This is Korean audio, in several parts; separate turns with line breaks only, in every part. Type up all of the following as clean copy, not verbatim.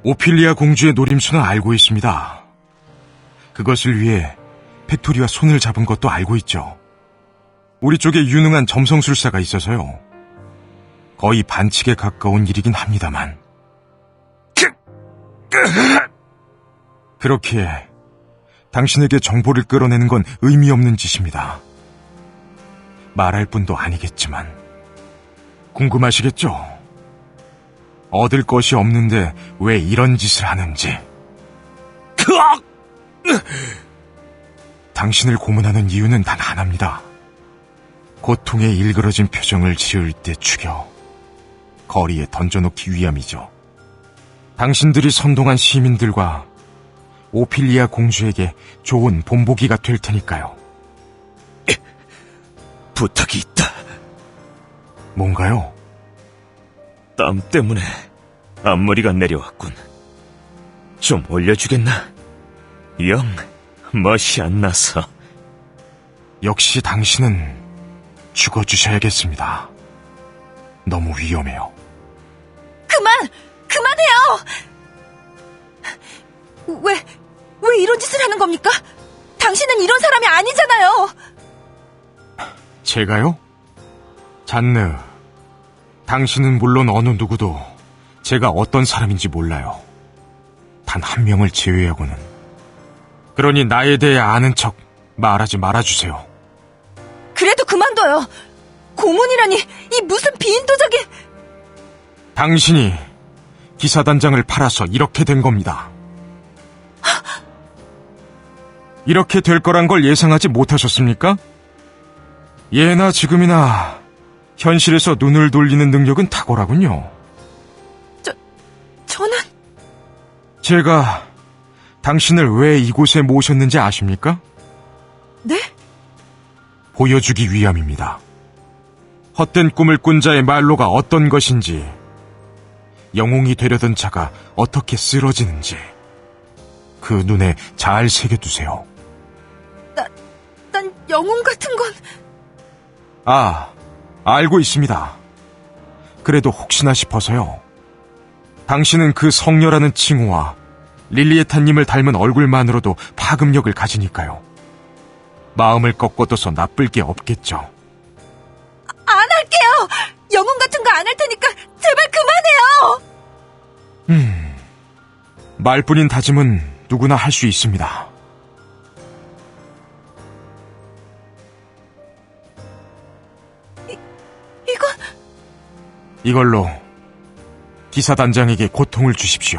오피리아 공주의 노림수는 알고 있습니다. 그것을 위해 팩토리와 손을 잡은 것도 알고 있죠. 우리 쪽에 유능한 점성술사가 있어서요. 거의 반칙에 가까운 일이긴 합니다만. 그렇기에 당신에게 정보를 끌어내는 건 의미 없는 짓입니다. 말할 뿐도 아니겠지만 궁금하시겠죠? 얻을 것이 없는데 왜 이런 짓을 하는지. 당신을 고문하는 이유는 단 하나입니다. 고통에 일그러진 표정을 지을 때 죽여 거리에 던져놓기 위함이죠. 당신들이 선동한 시민들과 오피리아 공주에게 좋은 본보기가 될 테니까요.
부탁이 있다.
뭔가요?
땀 때문에 앞머리가 내려왔군. 좀 올려주겠나? 영 멋이 안 나서.
역시 당신은 죽어주셔야겠습니다. 너무 위험해요.
그만해요! 왜 이런 짓을 하는 겁니까? 당신은 이런 사람이 아니잖아요!
제가요? 잔느, 당신은 물론 어느 누구도 제가 어떤 사람인지 몰라요. 단 한 명을 제외하고는. 그러니 나에 대해 아는 척 말하지 말아주세요.
그래도 그만둬요! 고문이라니, 이 무슨 비인도적인...
당신이 기사단장을 팔아서 이렇게 된 겁니다. 이렇게 될 거란 걸 예상하지 못하셨습니까? 예나 지금이나 현실에서 눈을 돌리는 능력은 탁월하군요.
저는...
제가 당신을 왜 이곳에 모셨는지 아십니까?
네?
보여주기 위함입니다. 헛된 꿈을 꾼 자의 말로가 어떤 것인지, 영웅이 되려던 자가 어떻게 쓰러지는지 그 눈에 잘 새겨두세요.
난 영웅 같은 건...
알고 있습니다. 그래도 혹시나 싶어서요. 당신은 그 성녀라는 칭호와 릴리에타님을 닮은 얼굴만으로도 파급력을 가지니까요. 마음을 꺾어둬서 나쁠 게 없겠죠.
안 할게요! 영웅 같은 거 안 할 테니까 제발 그만해요!
말뿐인 다짐은 누구나 할 수 있습니다. 이걸로 기사단장에게 고통을 주십시오.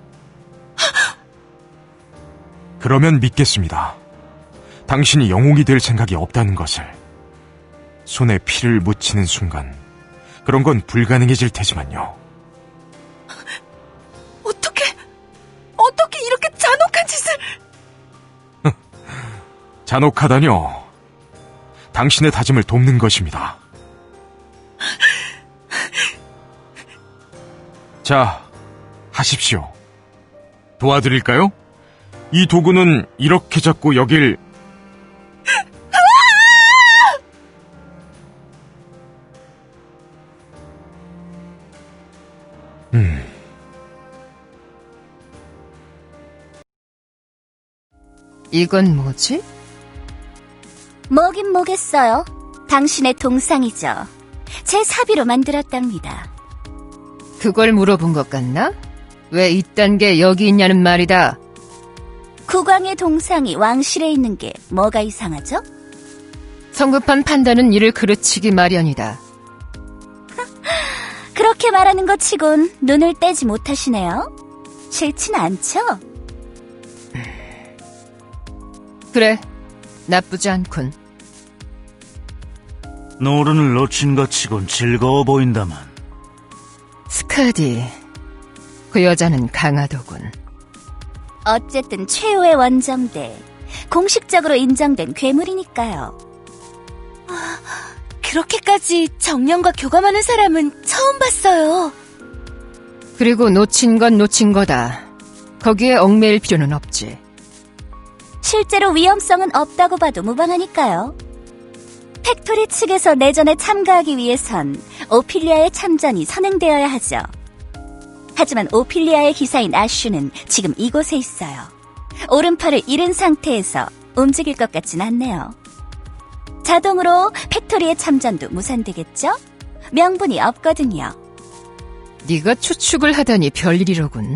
그러면 믿겠습니다. 당신이 영웅이 될 생각이 없다는 것을. 손에 피를 묻히는 순간 그런 건 불가능해질 테지만요.
어떻게 이렇게 잔혹한 짓을...
잔혹하다뇨. 당신의 다짐을 돕는 것입니다. 자, 하십시오. 도와드릴까요? 이 도구는 이렇게 잡고 여길...
이건 뭐지?
뭐긴 뭐겠어요. 당신의 동상이죠. 제 사비로 만들었답니다.
그걸 물어본 것 같나? 왜 이딴 게 여기 있냐는 말이다.
국왕의 동상이 왕실에 있는 게 뭐가 이상하죠?
성급한 판단은 이를 그르치기 마련이다.
그렇게 말하는 것 치곤 눈을 떼지 못하시네요. 싫진 않죠?
그래, 나쁘지 않군.
노른을 놓친 것 치곤 즐거워 보인다만.
스카디, 그 여자는 강하더군.
어쨌든 최후의 원정대, 공식적으로 인정된 괴물이니까요.
그렇게까지 정령과 교감하는 사람은 처음 봤어요.
그리고 놓친 건 놓친 거다. 거기에 얽매일 필요는 없지.
실제로 위험성은 없다고 봐도 무방하니까요. 팩토리 측에서 내전에 참가하기 위해선 오피리아의 참전이 선행되어야 하죠. 하지만 오피리아의 기사인 아슈는 지금 이곳에 있어요. 오른팔을 잃은 상태에서 움직일 것 같진 않네요. 자동으로 팩토리의 참전도 무산되겠죠? 명분이 없거든요.
네가 추측을 하다니 별일이로군.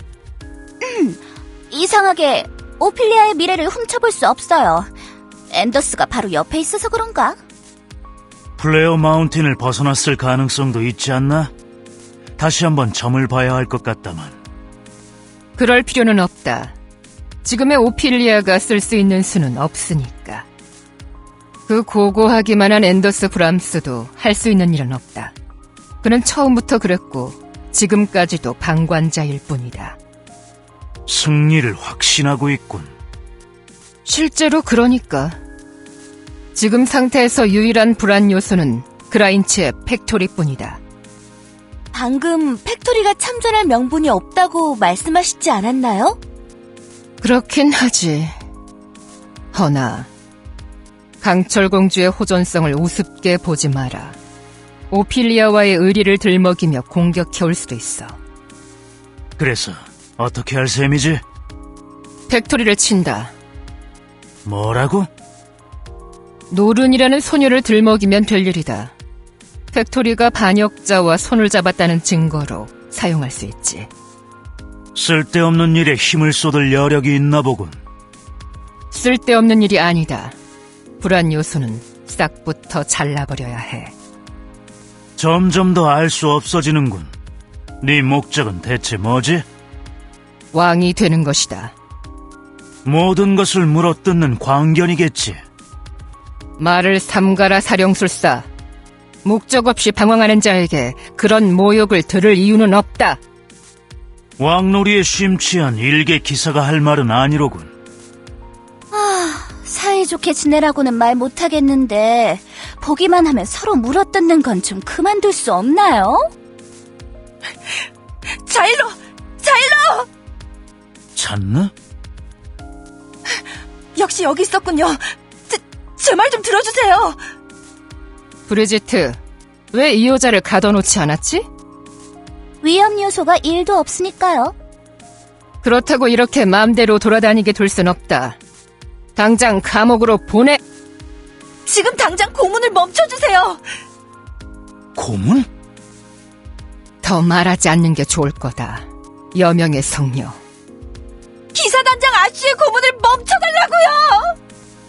이상하게 오피리아의 미래를 훔쳐볼 수 없어요. 앤더스가 바로 옆에 있어서 그런가?
플레어 마운틴을 벗어났을 가능성도 있지 않나? 다시 한번 점을 봐야 할 것 같다만.
그럴 필요는 없다. 지금의 오피리아가 쓸 수 있는 수는 없으니까. 그 고고하기만 한 앤더스 브람스도 할 수 있는 일은 없다. 그는 처음부터 그랬고 지금까지도 방관자일 뿐이다.
승리를 확신하고 있군.
실제로 그러니까. 지금 상태에서 유일한 불안 요소는 그라인츠의 팩토리뿐이다.
방금 팩토리가 참전할 명분이 없다고 말씀하시지 않았나요?
그렇긴 하지. 허나 강철공주의 호전성을 우습게 보지 마라. 오피리아와의 의리를 들먹이며 공격해올 수도 있어.
그래서 어떻게 할 셈이지?
팩토리를 친다.
뭐라고?
노른이라는 소녀를 들먹이면 될 일이다. 팩토리가 반역자와 손을 잡았다는 증거로 사용할 수 있지.
쓸데없는 일에 힘을 쏟을 여력이 있나 보군.
쓸데없는 일이 아니다. 불안 요소는 싹부터 잘라버려야 해.
점점 더 알 수 없어지는군. 네 목적은 대체 뭐지?
왕이 되는 것이다.
모든 것을 물어뜯는 광견이겠지.
말을 삼가라 사령술사. 목적 없이 방황하는 자에게 그런 모욕을 들을 이유는 없다.
왕놀이에 심취한 일개 기사가 할 말은 아니로군.
사이좋게 지내라고는 말 못하겠는데 보기만 하면 서로 물어뜯는 건 좀 그만둘 수 없나요?
자일로!
찾나?
역시 여기 있었군요. 제 말 좀 들어주세요.
브리지트, 왜 이 여자를 가둬놓지 않았지?
위험 요소가 1도 없으니까요.
그렇다고 이렇게 마음대로 돌아다니게 둘 순 없다. 당장 감옥으로 보내!
지금 당장 고문을 멈춰주세요.
고문?
더 말하지 않는 게 좋을 거다. 여명의 성녀.
기사단장 아쉬의 고문을 멈춰달라고요.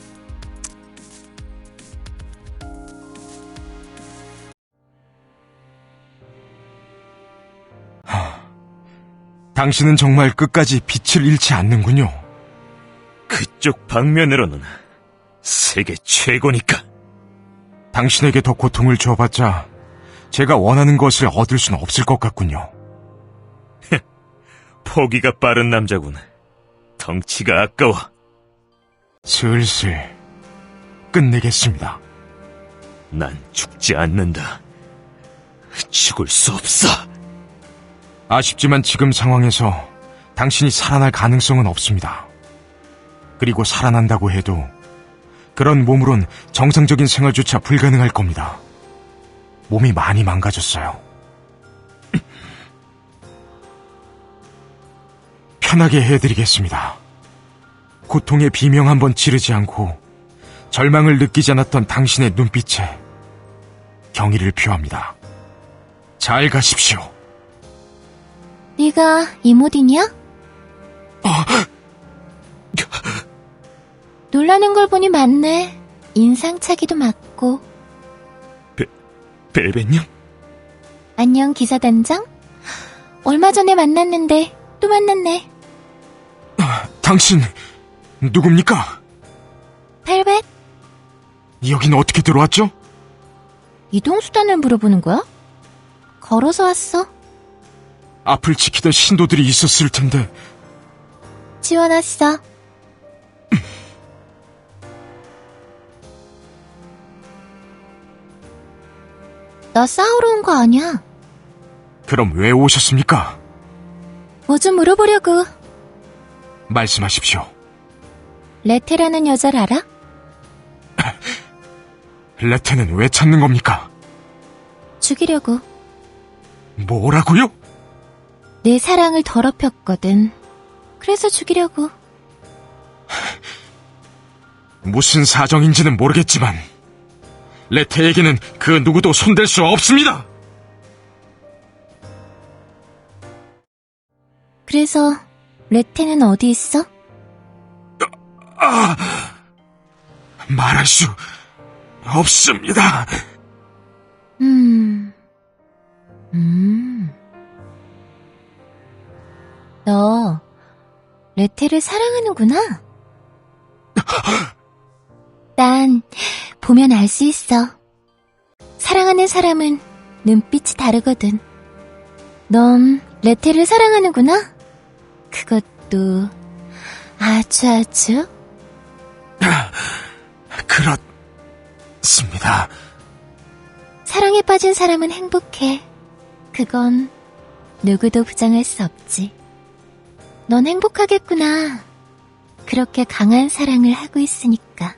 당신은 정말 끝까지 빛을 잃지 않는군요.
그쪽 방면으로는 세계 최고니까.
당신에게 더 고통을 줘봤자 제가 원하는 것을 얻을 수는 없을 것 같군요.
포기가 빠른 남자군. 덩치가 아까워.
슬슬 끝내겠습니다.
난 죽지 않는다. 죽을 수 없어.
아쉽지만 지금 상황에서 당신이 살아날 가능성은 없습니다. 그리고 살아난다고 해도 그런 몸으론 정상적인 생활조차 불가능할 겁니다. 몸이 많이 망가졌어요. 편하게 해드리겠습니다. 고통의 비명 한번 지르지 않고 절망을 느끼지 않았던 당신의 눈빛에 경의를 표합니다. 잘 가십시오.
네가 이모딘이야? 놀라는 걸 보니 맞네. 인상차기도 맞고.
벨벳님?
안녕 기사단장? 얼마 전에 만났는데 또 만났네.
당신 누굽니까?
벨벳?
여긴 어떻게 들어왔죠?
이동수단을 물어보는 거야? 걸어서 왔어.
앞을 지키던 신도들이 있었을 텐데.
지원왔어. 너 싸우러 온 거 아니야?
그럼 왜 오셨습니까?
뭐 좀 물어보려고.
말씀하십시오.
레테라는 여자를 알아?
레테는 왜 찾는 겁니까?
죽이려고.
뭐라고요?
내 사랑을 더럽혔거든. 그래서 죽이려고.
무슨 사정인지는 모르겠지만 레테에게는 그 누구도 손댈 수 없습니다.
그래서 레테는 어디 있어?
말할 수 없습니다.
너 레테를 사랑하는구나. 난 보면 알 수 있어. 사랑하는 사람은 눈빛이 다르거든. 넌 레테를 사랑하는구나. 그것도 아주
그렇습니다.
사랑에 빠진 사람은 행복해. 그건 누구도 부정할 수 없지. 넌 행복하겠구나. 그렇게 강한 사랑을 하고 있으니까.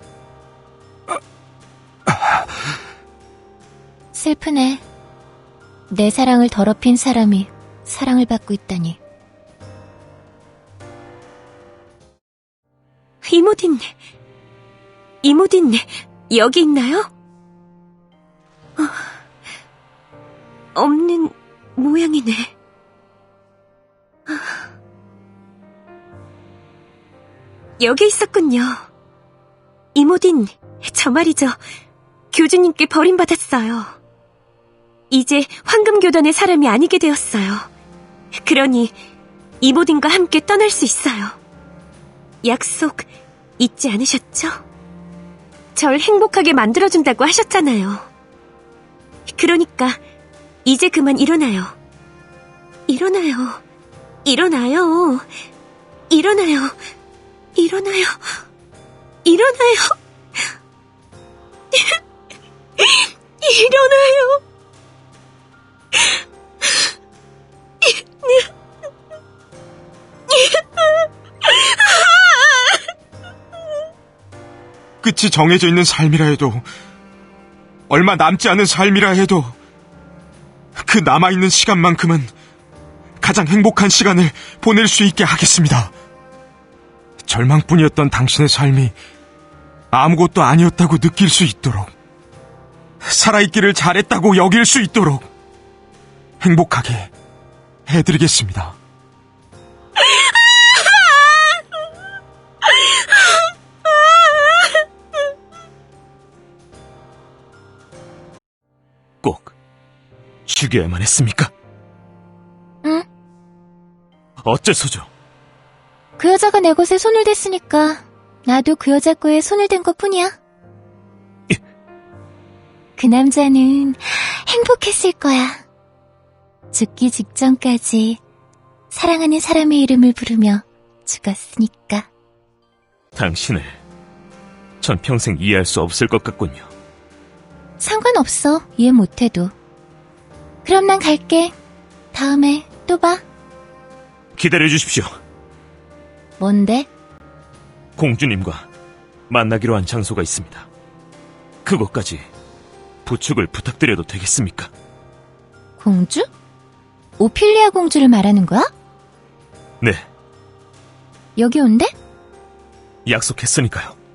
슬프네. 내 사랑을 더럽힌 사람이 사랑을 받고 있다니.
이모딘 여기 있나요? 없는 모양이네. 여기 있었군요. 이모딘, 저 말이죠. 교주님께 버림받았어요. 이제 황금교단의 사람이 아니게 되었어요. 그러니 이모딘과 함께 떠날 수 있어요. 약속 잊지 않으셨죠? 절 행복하게 만들어준다고 하셨잖아요. 그러니까 이제 그만 일어나요. 일어나요. 일어나요. 일어나요. 일어나요. 일어나요. 일어나요.
끝이 정해져 있는 삶이라 해도, 얼마 남지 않은 삶이라 해도 그 남아있는 시간만큼은 가장 행복한 시간을 보낼 수 있게 하겠습니다. 절망뿐이었던 당신의 삶이 아무것도 아니었다고 느낄 수 있도록, 살아있기를 잘했다고 여길 수 있도록 행복하게 해드리겠습니다.
꼭 죽여야만 했습니까?
응?
어째서죠?
그 여자가 내 것에 손을 댔으니까 나도 그 여자 거에 손을 댄 것뿐이야. 그 남자는 행복했을 거야. 죽기 직전까지 사랑하는 사람의 이름을 부르며 죽었으니까.
당신을 전 평생 이해할 수 없을 것 같군요.
상관없어, 이해 못해도. 그럼 난 갈게. 다음에 또 봐.
기다려주십시오.
뭔데?
공주님과 만나기로 한 장소가 있습니다. 그곳까지 부축을 부탁드려도 되겠습니까?
공주? 오피리아 공주를 말하는 거야?
네,
여기 온대?
약속했으니까요.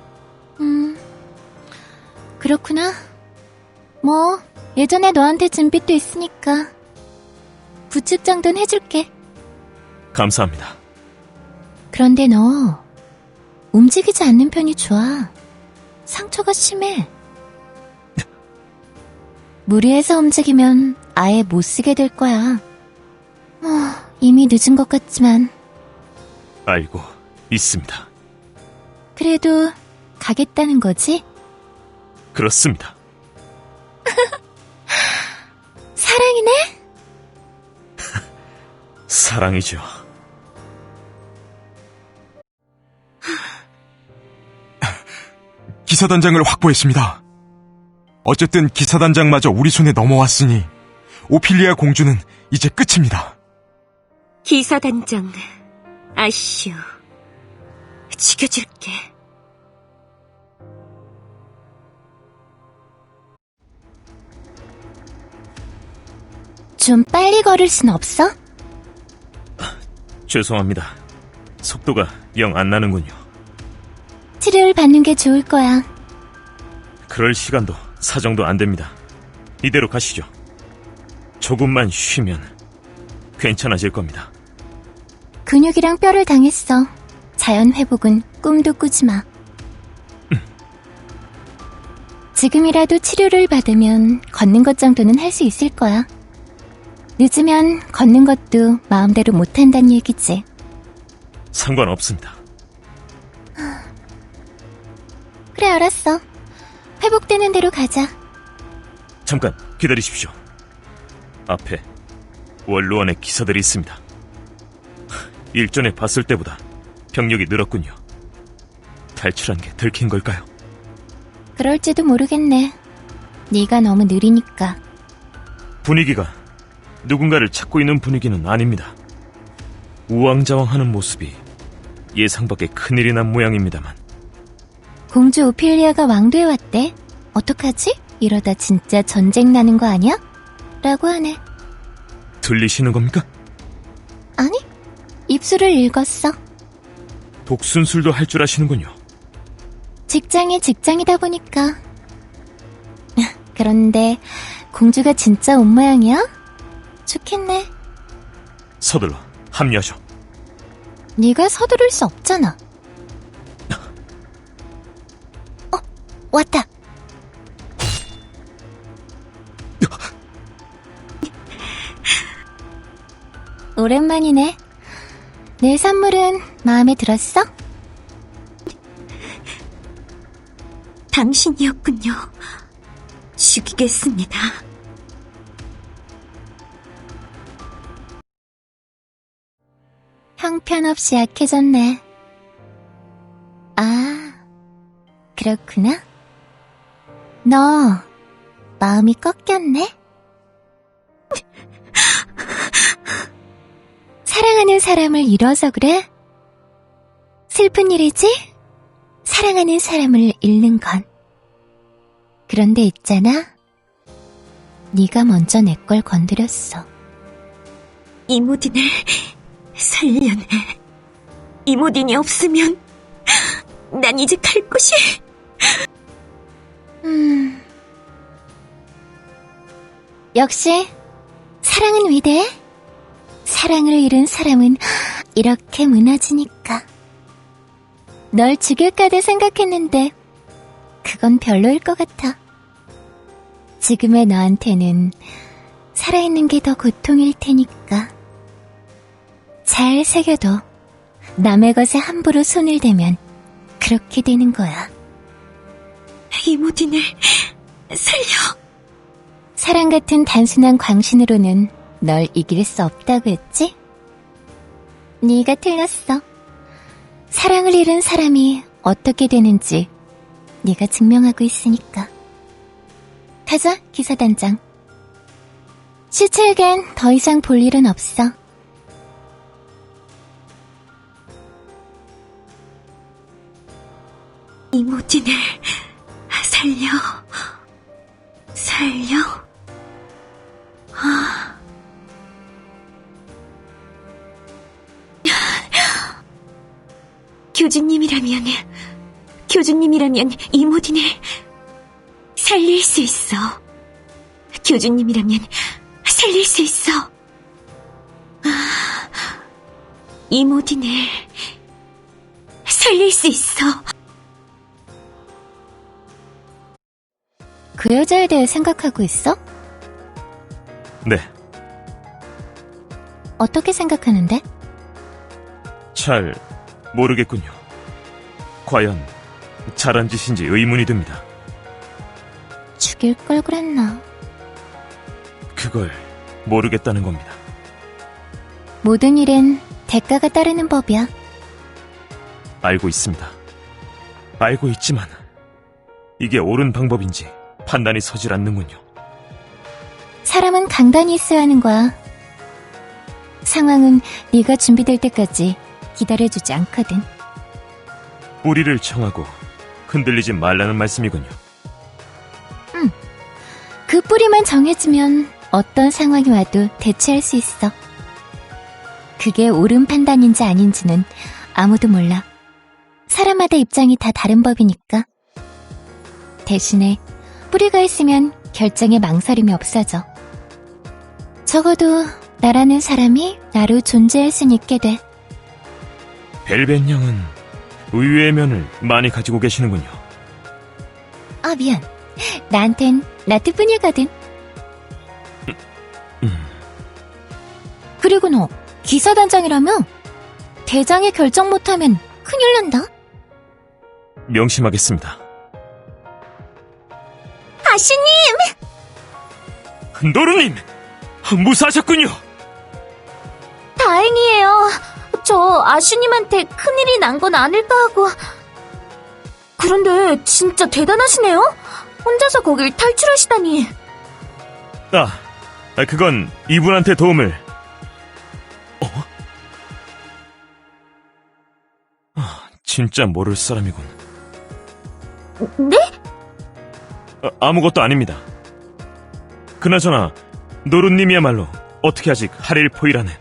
그렇구나. 뭐 예전에 너한테 준 빚도 있으니까 부축 정도는 해줄게.
감사합니다.
그런데 너 움직이지 않는 편이 좋아. 상처가 심해. 무리해서 움직이면 아예 못 쓰게 될 거야. 이미 늦은 것 같지만.
알고 있습니다.
그래도 가겠다는 거지?
그렇습니다.
사랑이네?
사랑이죠.
기사단장을 확보했습니다. 어쨌든 기사단장마저 우리 손에 넘어왔으니 오피리아 공주는 이제 끝입니다.
기사단장, 아쉬워. 죽여줄게.
좀 빨리 걸을 순 없어?
죄송합니다. 속도가 영 안 나는군요.
치료를 받는 게 좋을 거야.
그럴 시간도 사정도 안 됩니다. 이대로 가시죠. 조금만 쉬면 괜찮아질 겁니다.
근육이랑 뼈를 당했어. 자연 회복은 꿈도 꾸지 마. 지금이라도 치료를 받으면 걷는 것 정도는 할 수 있을 거야. 늦으면 걷는 것도 마음대로 못한다는 얘기지.
상관없습니다.
그래, 알았어. 회복되는 대로 가자.
잠깐 기다리십시오. 앞에 원로원의 기사들이 있습니다. 일전에 봤을 때보다 병력이 늘었군요. 탈출한 게 들킨 걸까요?
그럴지도 모르겠네. 네가 너무 느리니까.
분위기가 누군가를 찾고 있는 분위기는 아닙니다. 우왕좌왕하는 모습이 예상 밖의 큰일이 난 모양입니다만.
공주 오피리아가 왕도에 왔대. 어떡하지? 이러다 진짜 전쟁 나는 거 아니야? 라고 하네.
들리시는 겁니까?
아니, 입술을 읽었어.
독순술도 할 줄 아시는군요.
직장이 직장이다 보니까. 그런데 공주가 진짜 온 모양이야? 좋겠네.
서둘러 합류하죠.
네가 서두를 수 없잖아. 왔다. 오랜만이네. 내 선물은 마음에 들었어?
당신이었군요. 죽이겠습니다.
형편없이 약해졌네. 아, 그렇구나. 너 마음이 꺾였네? 사랑하는 사람을 잃어서 그래? 슬픈 일이지? 사랑하는 사람을 잃는 건. 그런데 있잖아. 네가 먼저 내 걸 건드렸어.
이모딘을 살려내. 이모딘이 없으면 난 이제 갈 곳이...
역시 사랑은 위대해. 사랑을 잃은 사람은 이렇게 무너지니까. 널 죽일까도 생각했는데 그건 별로일 것 같아. 지금의 너한테는 살아있는 게 더 고통일 테니까. 잘 새겨둬. 남의 것에 함부로 손을 대면 그렇게 되는 거야.
이모딘을 살려.
사랑 같은 단순한 광신으로는 널 이길 수 없다고 했지? 네가 틀렸어. 사랑을 잃은 사람이 어떻게 되는지 네가 증명하고 있으니까. 가자, 기사단장. 시체에겐 더 이상 볼 일은 없어.
이모딘을 살려. 교주님이라면 이모딘을 살릴 수 있어. 교주님이라면 살릴 수 있어. 이모딘을 살릴 수 있어.
그 여자에 대해 생각하고 있어?
네,
어떻게 생각하는데?
잘 모르겠군요. 과연 잘한 짓인지 의문이 듭니다.
죽일 걸 그랬나?
그걸 모르겠다는 겁니다.
모든 일엔 대가가 따르는 법이야.
알고 있습니다. 알고 있지만 이게 옳은 방법인지 판단이 서질 않는군요.
사람은 강단이 있어야 하는 거야. 상황은 네가 준비될 때까지 기다려주지 않거든.
뿌리를 청하고 흔들리지 말라는 말씀이군요.
그 뿌리만 정해지면 어떤 상황이 와도 대처할 수 있어. 그게 옳은 판단인지 아닌지는 아무도 몰라. 사람마다 입장이 다 다른 법이니까. 대신에 뿌리가 있으면 결정에 망설임이 없어져. 적어도 나라는 사람이 나로 존재할 순 있게 돼.
벨벳 양은 의외의 면을 많이 가지고 계시는군요.
아, 미안. 나한텐 라트뿐이거든. 그리고 너 기사단장이라며? 대장이 결정 못하면 큰일 난다.
명심하겠습니다.
아쉬님!
노루님! 무사하셨군요!
다행이에요. 저 아쉬님한테 큰일이 난 건 아닐까 하고. 그런데 진짜 대단하시네요? 혼자서 거길 탈출하시다니.
그건 이분한테 도움을... 진짜 모를 사람이군.
네?
아무것도 아닙니다. 그나저나 노루님이야말로 어떻게 아직 하릴 포이라네.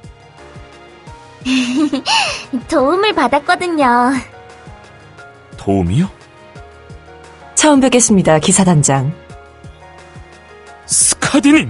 도움을 받았거든요.
도움이요?
처음 뵙겠습니다, 기사단장.
스카디님!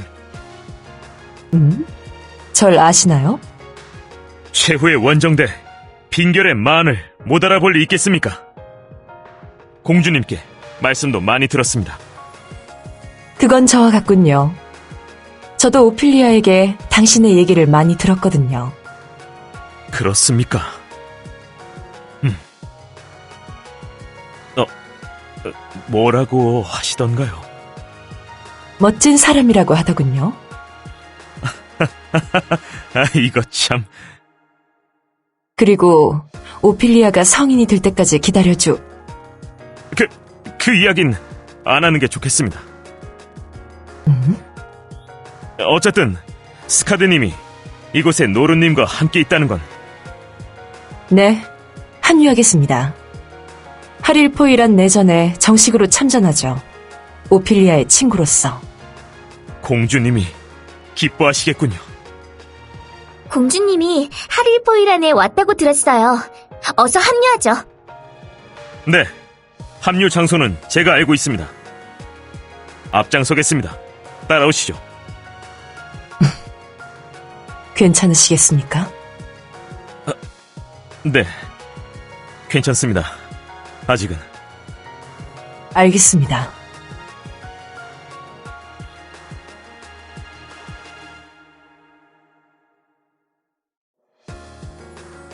절 아시나요?
최후의 원정대 빈결의 만을 못 알아볼 리 있겠습니까? 공주님께 말씀도 많이 들었습니다.
그건 저와 같군요. 저도 오피리아에게 당신의 얘기를 많이 들었거든요.
그렇습니까? 뭐라고 하시던가요?
멋진 사람이라고 하더군요.
이거 참...
그리고 오피리아가 성인이 될 때까지 기다려줘.
그 이야긴 안 하는 게 좋겠습니다. 어쨌든 스카드님이 이곳에 노루님과 함께 있다는 건
네, 합류하겠습니다. 하릴포이란 내전에 정식으로 참전하죠. 오피리아의 친구로서.
공주님이 기뻐하시겠군요.
공주님이 하릴포이란에 왔다고 들었어요. 어서 합류하죠.
네, 합류 장소는 제가 알고 있습니다. 앞장서겠습니다. 따라오시죠.
괜찮으시겠습니까?
네, 괜찮습니다. 아직은.
알겠습니다.